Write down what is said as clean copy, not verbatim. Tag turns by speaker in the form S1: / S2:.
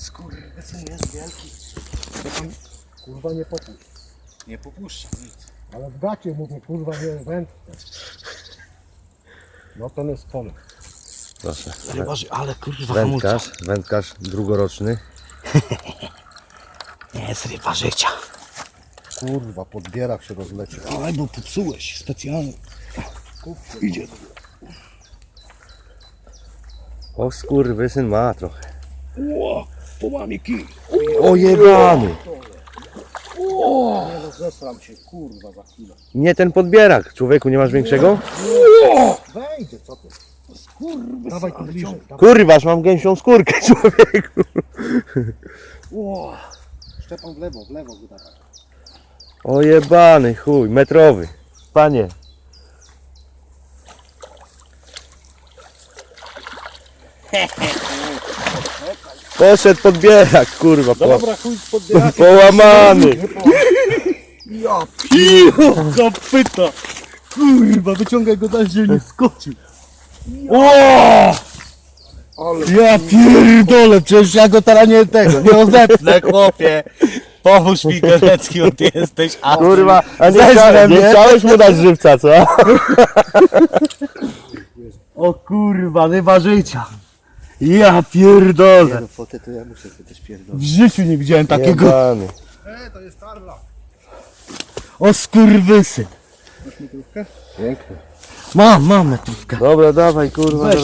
S1: Skurwysyn jest wielki.
S2: To pan kurwa nie popuść.
S1: Nie popuszcza nic.
S2: Ale w gacie mówię, kurwa nie wędkę. No ten jest pole.
S3: Proszę.
S1: Rybarzy, ale kurwa hamulca.
S3: Wędkarz drugoroczny.
S1: Nie jest ryba życia.
S2: Kurwa, pod bierak się rozleci.
S1: Ale bo popsułeś specjalnie. Idzie.
S3: O skurwysyn ma trochę.
S1: Ło, połamie kij.
S3: O jebany!
S2: Nie no, zesram się, kurwa, za chwilę.
S3: Nie ten podbierak. Człowieku, nie masz większego?
S2: Wejdzie, co ty? Dawaj tu bliżej. Dawaj.
S3: Kurwa, aż mam gęsią skórkę, człowieku.
S2: Szczepan w lewo wydawaj.
S3: O jebany chuj, metrowy. Panie. Poszedł podbierak, kurwa.
S2: Dobra, chuj z podbierakiem.
S3: Połamany.
S2: Ja
S1: Piło, zapyta. Kurwa, wyciągaj go dalej, żeby nie skoczył.
S2: ale
S1: Ja pierdolę, przecież ja go teraz nie odepnę, chłopie. Pomóż mi, Gelecki, bo ty jesteś
S3: Kurwa, a
S1: Zeżrę
S3: nie
S1: mnie.
S3: chciałeś mu dać żywca, co?
S1: O kurwa, ryba życia. Ja pierdolę.
S2: no fotę to ja muszę sobie też pierdolić.
S1: W życiu nie widziałem takiego.
S3: Jebany.
S2: To jest tarla.
S1: O skurwysyn.
S2: Masz metrówkę?
S3: Piękny.
S1: Mam metrówkę.
S3: Dobra, dawaj, kurwa.
S1: Weź